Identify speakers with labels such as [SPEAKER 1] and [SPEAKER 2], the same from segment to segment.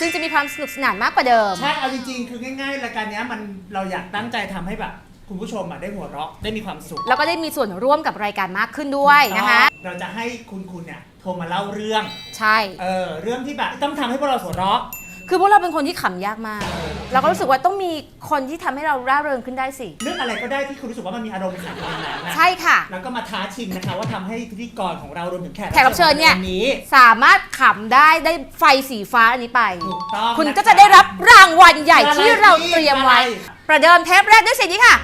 [SPEAKER 1] ซึ่งจะมีความสนุกสนานมากกว่าเดิม
[SPEAKER 2] ใช่เอาจริงๆคือง่ายๆรายการนี้เราอยากตั้งใจทำให้แบบคุณผู้ชมได้หัวเราะได้มีความสุข
[SPEAKER 1] แล้วก็ได้มีส่วนร่วมกับรายการมากขึ้นด้วยนะคะ
[SPEAKER 2] เราจะให้คุณเนี่ยโทรมาเล่าเรื่อง
[SPEAKER 1] ใช่
[SPEAKER 2] เรื่องที่แบบต้องทำให้พวกเราหัวเราะ
[SPEAKER 1] คือพวกเราเป็นคนที่ขำยากมากเราก็รู้สึกว่าต้องมีคนที่ทำให้เราร่าเริงขึ้นได้สิ
[SPEAKER 2] เรื่องอะไรก็ได้ที่คุณรู้สึกว่ามันมีอารมณ์ขันในนั้นนะ
[SPEAKER 1] ใช่ค่ะ
[SPEAKER 2] แล้วก็มาท้าชิงนะคะว่าทำให้พิธีกรของเรารวมถึงแขก
[SPEAKER 1] รับเชิญเนี่ยสามารถขำได้ไฟสีฟ้าอันนี้ไปคุณก็จะได้รับรางวัลใหญ่ที่เราเตรียมไว้ประเดิมเทปแรกด้วยสิ่งนี้ค่ะ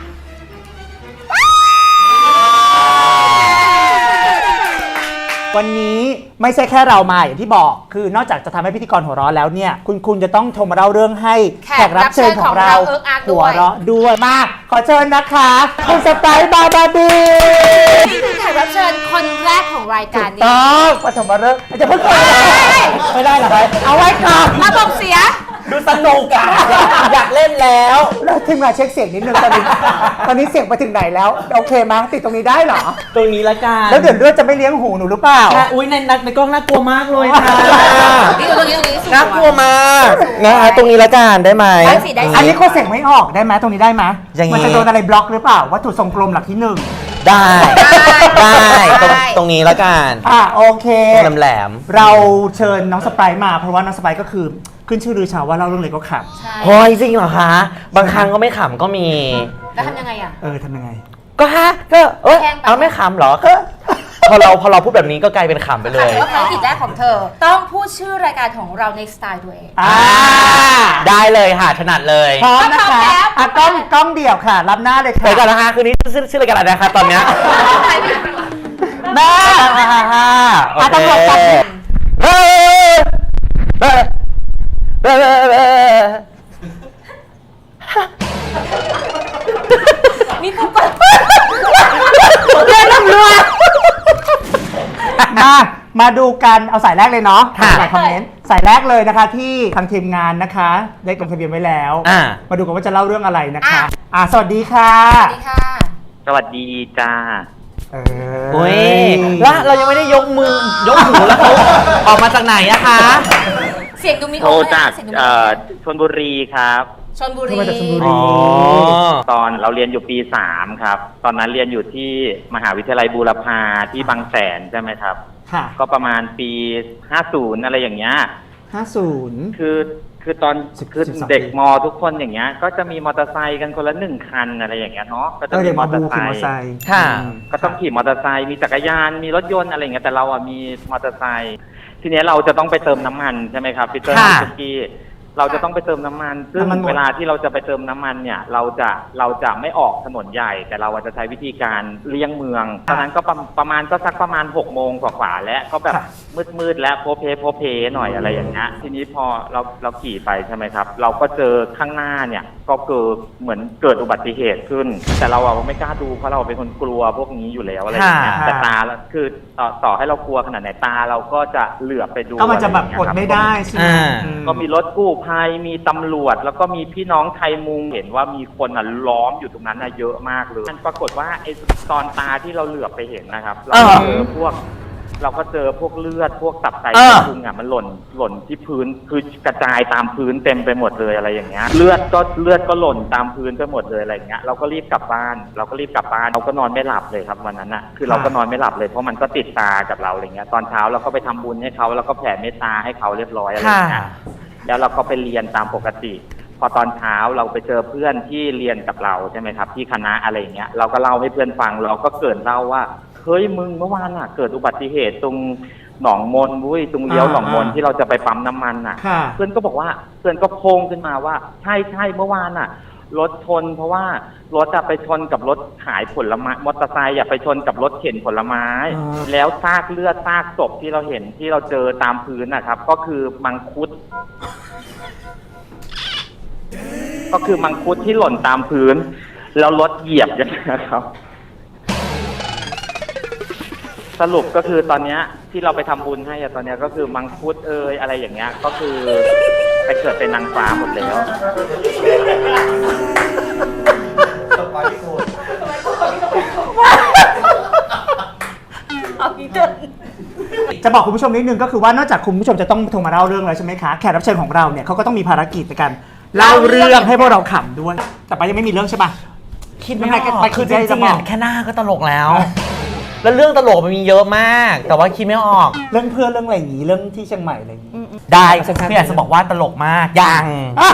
[SPEAKER 2] วันนี้ไม่ใช่แค่เรามาอย่างที่บอกคือนอกจากจะทำให้พิธีกรหัวเราะแล้วเนี่ยคุณจะต้องโทรมาเล่าเรื่องให้แขกรับเชิญของเราหัวเราะด้วยมาขอเชิญนะคะคุณสไปซ์บาบาบี
[SPEAKER 1] นี่คือแขกรับเชิญคนแรกของรายการนี้
[SPEAKER 2] ต้องปฐมฤกษ์จะพูดไม่ได้หรอครับเอาไว้ก่อน
[SPEAKER 1] ระบบเสีย
[SPEAKER 2] ดูสนุกอ่ะอยากเล่นแล้วทีมงานเช็คเสียงนิดนึงตอนนี้เสียงไปถึงไหนแล้วโอเคมั้ยติดตรงนี้ได้เหรอ
[SPEAKER 3] ตรงนี้ละกัน
[SPEAKER 2] แล้วเดี๋ยวเลือดจะไม่เลี้ยงหูหนูหรือเปล่า
[SPEAKER 3] อุ้ยในกล้องน่ากลัวมากเลยค่ะ
[SPEAKER 1] ตรงนี้
[SPEAKER 3] น่ากลัวมากนะตรงนี้ละกันได้ไหม
[SPEAKER 2] อันนี้ก็เสียงไม่ออกได้ไหมตรงนี้ได้ไหมมันจะโดนอะไรบล็อกหรือเปล่าวัตถุทรงกลมหลักที่1
[SPEAKER 3] ได้ตรงนี้ละกัน
[SPEAKER 2] โอเค
[SPEAKER 3] แหลม
[SPEAKER 2] เราเชิญน้องสไปซ์มาเพราะว่าน้องสไปซ์ก็คือขึ้นชื่อลือชาว่าเล่าเรื่องอะไรก็ข
[SPEAKER 3] ำโอ้ยจริงเหรอคะบางครั้งก็ไม่ขำก็มี
[SPEAKER 1] แล้วทำยังไง
[SPEAKER 2] ทำยังไง
[SPEAKER 3] ก็เอาไม่ขำเหรอพอเราพูดแบบนี้ก็กลายเป็นขำไปเลย
[SPEAKER 1] ว่าภารกิจแรกของเธอต้องพูดชื่อรายการของเราในสไตล์ตัวเอง
[SPEAKER 3] ได้เลยค่ะถนัดเลย
[SPEAKER 2] พร้อมนะคะกล้องเดี่ยวค่ะรับหน้าเลยค่ะ
[SPEAKER 3] เดี๋ยวก่อนนะคะคืนนี้ชื่อรายการอะไรนะคะตอนเนี้ย
[SPEAKER 2] แม่ตำรวจจับ
[SPEAKER 1] มีผู้กด
[SPEAKER 2] เรื่องตำรวจมาดูกันเอาสายแรกเลยเนาะสายคอมเมนต์สายแรกเลยนะคะที่ทางทีมงานนะคะได้ลงทะเบียนไว้แล้วมาดูกันว่าจะเล่าเรื่องอะไรนะคะสวัสดีค่ะ
[SPEAKER 1] สวัสดีค่ะ
[SPEAKER 4] สวัสดีจ้า
[SPEAKER 3] โอ้ยแล้วเรายังไม่ได้ยกมือยกหูแล้วเขาออกมาจากไหนอะคะ
[SPEAKER 1] เสียงดูมี
[SPEAKER 4] โอ้จากชลบุรีครับ
[SPEAKER 1] ชลบุรี
[SPEAKER 4] ตอนเราเรียนอยู่ปี3ครับตอนนั้นเรียนอยู่ที่มหาวิทยาลัยบูรพาที่บางแสนใช่ไหมครับก็ประมาณปี50อะไรอย่างเงี้ย
[SPEAKER 2] 50
[SPEAKER 4] คือตอนคือเด็กมอทุกคนอย่างเงี้ยก็จะมีมอเตอร์ไซค์กันคนละ1คันอะไรอย่างเงี้ยเนาะก็จะมีมอเตอร์ไซค์ก็ต้องขี่มอเตอร์ไซค์มีจักรยานมีรถยนต์อะไรอย่างเงี้ยแต่เรามีมอเตอร์ไซค์ทีนี้เราจะต้องไปเติมน้ำมันใช่ไหมครับพี่เติ้ลพี่กี้เราจะต้องไปเติมน้ำมันซึ่งเวลาที่เราจะไปเติมน้ำมันเนี่ยเราจะไม่ออกถนนใหญ่แต่เราจะใช้วิธีการเลี่ยงเมืองตอนนั้นก็ประมาณ6 โมงกว่าแล้วก็แบบมืดแล้วโพเพหน่อยอะไรอย่างเงี้ยทีนี้พอเราขี่ไปใช่ไหมครับเราก็เจอข้างหน้าเนี่ยก็เหมือนเกิดอุบัติเหตุขึ้นแต่เราไม่กล้าดูเพราะเราเป็นคนกลัวพวกนี้อยู่แล้วอะไรอย่างเงี้ยแต่ตาคือต่อให้เรากลัวขนาดไหนตาเราก็จะเหลือบไปดู
[SPEAKER 2] ก็มันจะแบบกดไม่ได้ใช่ไหม
[SPEAKER 4] ก็มีรถกู้ภัยมีตำรวจแล้วก็มีพี่น้องไทยมุงเห็นว่ามีคนล้อมอยู่ตรงนั้นเยอะมากเลยมันปรากฏว่าไอ้ตอนตาที่เราเหลือบไปเห็นนะครับเราก็เจอพวกเลือดพวกตับไตพุงมันหล่นที่พื้นคือกระจายตามพื้นเต็มไปหมดเลยอะไรอย่างเงี้ยเลือดก็หล่นตามพื้นไปหมดเลยอะไรอย่างเงี้ยเราก็รีบกลับบ้านเราก็นอนไม่หลับเลยครับวันนั้นคือเราก็นอนไม่หลับเลยเพราะมันก็ติดตากับเราอะไรเงี้ยตอนเช้าเราก็ไปทำบุญให้เขาแล้วก็แผ่เมตตาให้เขาเรียบร้อยอะไรอย่างเงี้ยแล้วเราก็ไปเรียนตามปกติพอตอนเช้าเราไปเจอเพื่อนที่เรียนกับเราใช่ไหมครับที่คณะอะไรอย่างเงี้ยเราก็เล่าให้เพื่อนฟังเราก็เกิดเล่าว่าเฮ้ยมึงเมื่อวานเกิดอุบัติเหตุตรงหนองมนวุ้ยตรงเลี้ยวหนองมนที่เราจะไปปั๊มน้ำมันเพื่อนก็บอกว่าเพื่อนก็โพงขึ้นมาว่าใช่เมื่อวานรถชนเพราะว่ารถไปชนกับรถขายผลไม้มอเตอร์ไซค์ไปชนกับรถเข็นผลไม้แล้วซากเลือดซากศพที่เราเห็นที่เราเจอตามพื้นนะครับก็คือมังคุดที่หล่นตามพื้นแล้วรถเหยียบอย่างนี้ครับสรุปก็คือตอนนี้ที่เราไปทำบุญให้ตอนนี้ก็คือมังคุดอะไรอย่างเงี้ยก็คือไปเกิดเป็นนางฟ้าหมดแล้ว
[SPEAKER 2] จะบอกคุณผู้ชมนิดนึงก็คือว่านอกจากคุณผู้ชมจะต้องโทรมาเล่าเรื่องแล้วใช่ไหมคะแขกรับเชิญของเราเนี่ยเขาก็ต้องมีภารกิจในการเล่าเรื่องให้พวกเราขำด้วยแต่ไปยังไม่มีเรื่องใช่ปะ
[SPEAKER 3] คิดไม่ออก
[SPEAKER 2] ไป
[SPEAKER 3] คือจ
[SPEAKER 2] จะ
[SPEAKER 3] ริงๆ
[SPEAKER 2] บอ
[SPEAKER 3] อะ
[SPEAKER 2] ก
[SPEAKER 3] แค่หน้าก็ตลกแล้ว แล้วเรื่องตลกมันมีเยอะมาก แต่ว่าคิดไม่ออก
[SPEAKER 2] เรื่องเพื่อนเรื่องอะไรอย่างนี้เรื่องที่เชียงใหม่อะไรอย่างนี้
[SPEAKER 3] ได้
[SPEAKER 2] สั้นๆ
[SPEAKER 3] พี่อยากจะบอกว่าตลกมากยัง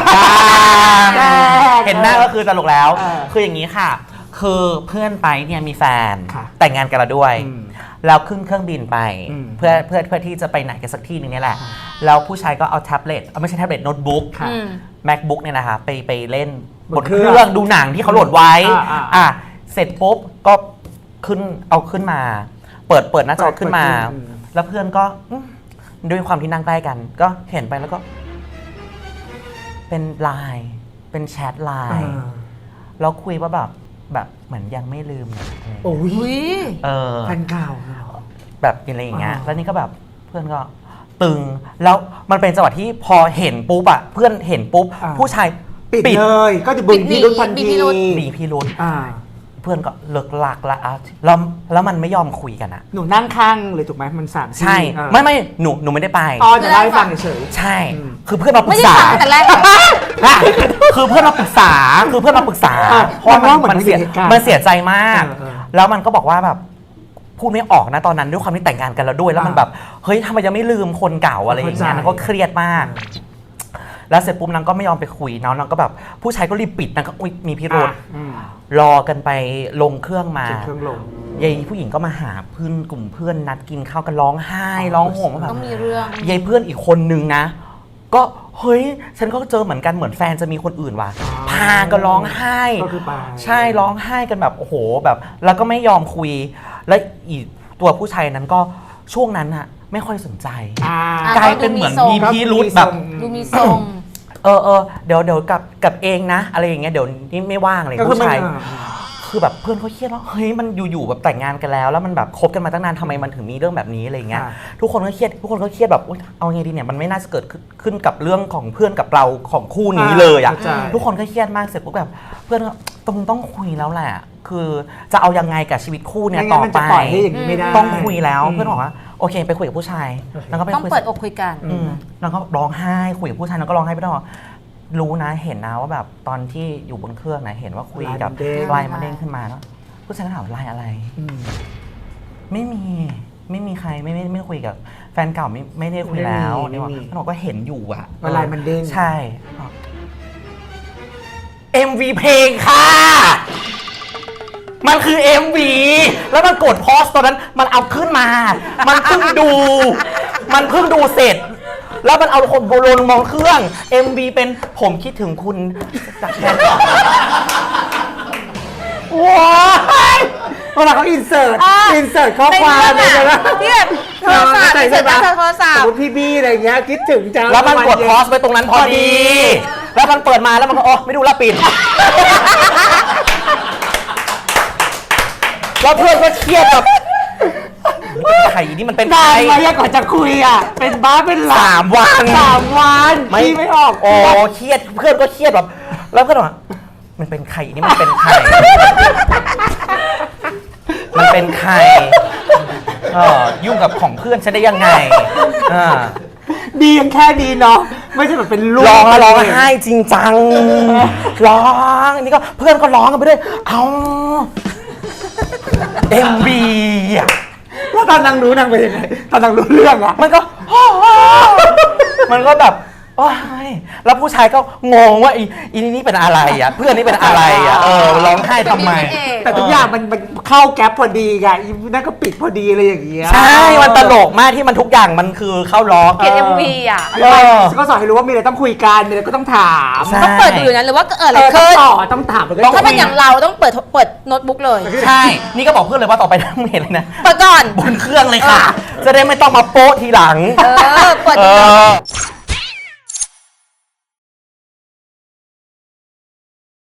[SPEAKER 3] เห็นหน้าก็คือตลกแล้ว คืออย่างนี้ค่ะ คือเพื่อนไปเนี่ยมีแฟน
[SPEAKER 2] ค่ะ
[SPEAKER 3] แต่งงานกันแล้วด้วย
[SPEAKER 2] อืม
[SPEAKER 3] แล้วขึ้นเครื่องบินไป
[SPEAKER 2] อืม
[SPEAKER 3] เพื่อที่จะไปไหนกันสักที่หนึงเนี่ยแหละ แล้วผู้ชายก็เอาแท็บเล็ตไม่ใช่แท็บเล็ตโน้ตบุ๊ก
[SPEAKER 2] ค่ะ
[SPEAKER 3] MacBook เนี่ยนะคะไปเล่น
[SPEAKER 2] บบ น
[SPEAKER 3] น
[SPEAKER 2] เค
[SPEAKER 3] เค
[SPEAKER 2] รื่
[SPEAKER 3] รื่
[SPEAKER 2] อ
[SPEAKER 3] อง งดูหนังที่เขาโหลดไว้
[SPEAKER 2] อ่า
[SPEAKER 3] เสร็จปุ๊บก็เอาขึ้นมา เปิดหน้าจอขึ้นมา
[SPEAKER 2] เปิดขึ้น
[SPEAKER 3] แล้วเพื่อนก็ด้วยความที่นั่งใกล้กัน ก็เห็นไปแล้วก็ เป็นไลน์เป็นแชทไลน์แล้วคุยว่าแบบเหมือนยังไม่ลืมอะไรอย่างเงี้ย
[SPEAKER 2] โอ้ย
[SPEAKER 3] เออ
[SPEAKER 2] แฟนเก่า
[SPEAKER 3] แบบอะไรอย่างเงี้ย
[SPEAKER 2] อ่า
[SPEAKER 3] แล้วนี่ก็แบบเพื่อนก็ตึง แล้วมันเป็นจังหวะที่พอเห็นปุ๊บอะเพื่อนเห็นปุ๊บ ผู้ชาย
[SPEAKER 2] ปิดเลยก็จะบึงพิรุธทันที
[SPEAKER 3] มีพิรุธ
[SPEAKER 2] อ่า
[SPEAKER 3] เพื่อนก็เลิกหลักละอ่ะแล้วมันไม่ยอมคุยกันอะ
[SPEAKER 2] หนูนั่งข้างเลยถูกไหมมันสั่น
[SPEAKER 3] ใช่
[SPEAKER 2] อ่า
[SPEAKER 3] ไม่หนูไม่ได้ไป
[SPEAKER 2] อ๋อจะเล่าให้ฟังเฉย
[SPEAKER 3] ใช่
[SPEAKER 2] อืม
[SPEAKER 3] คือเพื่อนมาปรึ
[SPEAKER 1] ไม่
[SPEAKER 3] ก
[SPEAKER 1] ได้
[SPEAKER 3] ษา
[SPEAKER 1] ฟังแต่แรก
[SPEAKER 3] คือเพื่อนมาปรึกษาเพราะว่า
[SPEAKER 2] มันว่าเหมือน
[SPEAKER 3] มันเสีย
[SPEAKER 2] เหตุการณ์
[SPEAKER 3] มันเสียใจมาก
[SPEAKER 2] เออ
[SPEAKER 3] แล้วมันก็บอกว่าแบบพูดไม่ออกนะตอนนั้นด้วยความที่แต่งงานกันแล้วด้วย แล้วมันแบบเฮ้ยทำไมยังไม่ลืมคนเก่าอะไรอย่างเงี้ย
[SPEAKER 2] เข้าใจ
[SPEAKER 3] นางก็เครียดมาก แล้วเสร็จปุ๊บนางก็ไม่ยอมไปคุยนางก็แบบผู้ชายก็รีบปิดนางก็อุ๊ยมีพิรุธ
[SPEAKER 2] อืม
[SPEAKER 3] รอกันไปลงเครื่องมา
[SPEAKER 2] ถึงเครื่องลง
[SPEAKER 3] ยายผู้หญิงก็มาหาเพื่อนกลุ่มเพื่อนนัดกินข้าวกันร้องไห้ร้องห่มว่าแบบ
[SPEAKER 1] ต้องมีเรื่อง
[SPEAKER 3] ยายเพื่อนอีกคนนึงนะ ก็เฮ้ยฉันก็เจอเหมือนกันเหมือนแฟนจะมีคนอื่นว่ะพากันร้องไห้
[SPEAKER 2] ก็คือไป
[SPEAKER 3] ใช่ร้องไห้กันแบบโอ้โหแบบ แล้วก็ไม่ยอมคุย แล้วอีกตัวผู้ชายนั้นก็ช่วงนั้นอะไม่ค่อยสนใจ
[SPEAKER 2] อ่า
[SPEAKER 3] กลายเป็นเหมือนมีพิรุธแบบ
[SPEAKER 1] ดูมีทรง
[SPEAKER 3] เดี๋ยวกับเองนะ อะไรอย่างเงี้ยเดี๋ยวนี่ไม่ว่างอะไร
[SPEAKER 2] ก็คือ
[SPEAKER 3] ผู้ชาย
[SPEAKER 2] ไม่
[SPEAKER 3] คือแบบเพื่อนเขาเครียดว่าเฮ้ยมันอยู่ๆแบบแต่งงานกันแล้วมันแบบคบกันมาตั้งนานทำไมมันถึงมีเรื่องแบบนี้อะไรอย่างเงี้ย
[SPEAKER 2] อ่า
[SPEAKER 3] ทุกคนก็เครียดแบบอุ๊ยเอาไงดีเนี่ยมันไม่น่าจะเกิดขึ้นกับเรื่องของเพื่อนกับเราของคู่นี้เลยอ่ะ
[SPEAKER 2] เข้าใจ
[SPEAKER 3] ทุกคนก็เครียดมากเสร็จปุ๊บแบบเพื่อนก็ต้องคุยแล้วแหละคือจะเอายังไงกับชีวิตคู่เนี่ย
[SPEAKER 2] ไม่งั้
[SPEAKER 3] ต่
[SPEAKER 2] น
[SPEAKER 3] อ
[SPEAKER 2] มัน
[SPEAKER 3] ไป
[SPEAKER 2] จะปล่อยให้อย่างนี้ไม่ได้
[SPEAKER 3] ต้องคุยแล้ว
[SPEAKER 2] อืม
[SPEAKER 3] เพื่อนบอกว่าโอเคไปคุยกับผู้ชายแล้วก็ไป
[SPEAKER 1] ต้อง
[SPEAKER 3] คุย
[SPEAKER 1] เปิดอกคุยกัน
[SPEAKER 3] แล้วก็ร้องไห้คุยกับผู้ชายแล้วก็ร้องไห้ไปตลอดรู้นะเห็นนะว่าแบบตอนที่อยู่บนเครื่องนะเห็นว่าคุยกับ
[SPEAKER 2] ไลน์มันเด้ง
[SPEAKER 3] ไลน์มาเด้งขึ้นมาแล้วผู้ชายก็ถามว่าไลน์อะไร
[SPEAKER 2] อืม
[SPEAKER 3] ไม่มีใครไม่คุยกับแฟนเก่าไม่ได้คุยแล้ว
[SPEAKER 2] ไม่มี
[SPEAKER 3] นี่ว่ามันบอกว่าเห็นอยู่อะ
[SPEAKER 2] ว่าไลน์มันเด้ง
[SPEAKER 3] ใช่ MV เพลงค่ะ มันคือ MV แล้วมันกดพอสตอนนั้นมันเอาขึ้นมา มันเพิ่งดูเสร็จ แล้วมันเอาคนโบราณมองเครื่อง MV เป็นผมคิดถึงคุณจากแฟนเก่า
[SPEAKER 2] ว้ายเวลาเขาอินเสิร์ตข้อความ
[SPEAKER 1] ในเรื่องอะที่แบบโทรศัพท์
[SPEAKER 2] ใช่
[SPEAKER 1] เสร็จแล้วโทรศัพท์
[SPEAKER 2] สมมติพี่บี้อะไรอย่างเงี้ยคิดถึงจัง
[SPEAKER 3] แล้วมันกดพอสไปตรงนั้นพอดี แล้วมันเปิดมาแล้วมันก็ไม่ดูแลปิด แล้วเพื่อนก็เครียดแบบไข่นี่มันเป็น
[SPEAKER 2] นาน
[SPEAKER 3] ไข่
[SPEAKER 2] ไหมอะก่อนจะคุยอ่ะ เป็นบ้าเป็นหลั
[SPEAKER 3] 3 วัน
[SPEAKER 2] 3 วันพี่ไม่ออก
[SPEAKER 3] โอ้เครียดเพื่อนก็เครียดแบบ แล้วเพื่อนบอกมันเป็นไข่นี่มันเป็นไข่ มันเป็นไข่ยุ่งกับของเพื่อนฉันได้ยังไง
[SPEAKER 2] ดียังแค่ดีเนาะไม่ใช่แบบเป็นลูก
[SPEAKER 3] ร้องไห้จริงจังร้องนี่ก็เพื่อนก็ร้องกันไปด้วยเอา MV อ่ะ
[SPEAKER 2] แล้วตอนนางรู้นางเป็นยังไงตอนนางรู้เรื่องอ่ะ
[SPEAKER 3] มันก็ มันก็แบบโอ้ยแล้วผู้ชายก็งงว่าอีนี่เป็นอะไรอ่ะเพื่อนนี่เป็นอะไรอ่ะร้องไห้ทำไม
[SPEAKER 2] แต่ทุกอย่างมันเข้าแก๊ปพอดีไงอีนั่นก็ปิดพอดีอะไรอย่างเงี้ย
[SPEAKER 3] ใช่มันตลกมากที่มันทุกอย่างมันคือเข้าล้อ
[SPEAKER 1] เกลียด MV อ่ะ
[SPEAKER 2] ก็สอนให้รู้ว่ามีอะไรต้องคุยกันมีอะไรก็ต้องถาม
[SPEAKER 3] ใช่
[SPEAKER 1] ต้องเปิดดูอยู่นั้นหรือว่าเกิดอะไร
[SPEAKER 2] ต้อ
[SPEAKER 1] ขึ้
[SPEAKER 2] ง
[SPEAKER 1] น
[SPEAKER 2] ต่อต้องถามแล้วก็
[SPEAKER 1] ถ้าเป็นอย่างเราต้องเปิดโน้ตบุ๊กเลย
[SPEAKER 3] ใช่ นี่ก็บอกเพื่อนเลยว่าต่อไปถ้าไม่เห็นเลยนะ
[SPEAKER 1] เปิดก่อน
[SPEAKER 3] บนเครื่องเลยค่ะ จะได้ไม่ต้องมาโป๊ะทีหลัง
[SPEAKER 1] เปิด
[SPEAKER 3] เอ
[SPEAKER 1] ดูก่อน
[SPEAKER 3] อ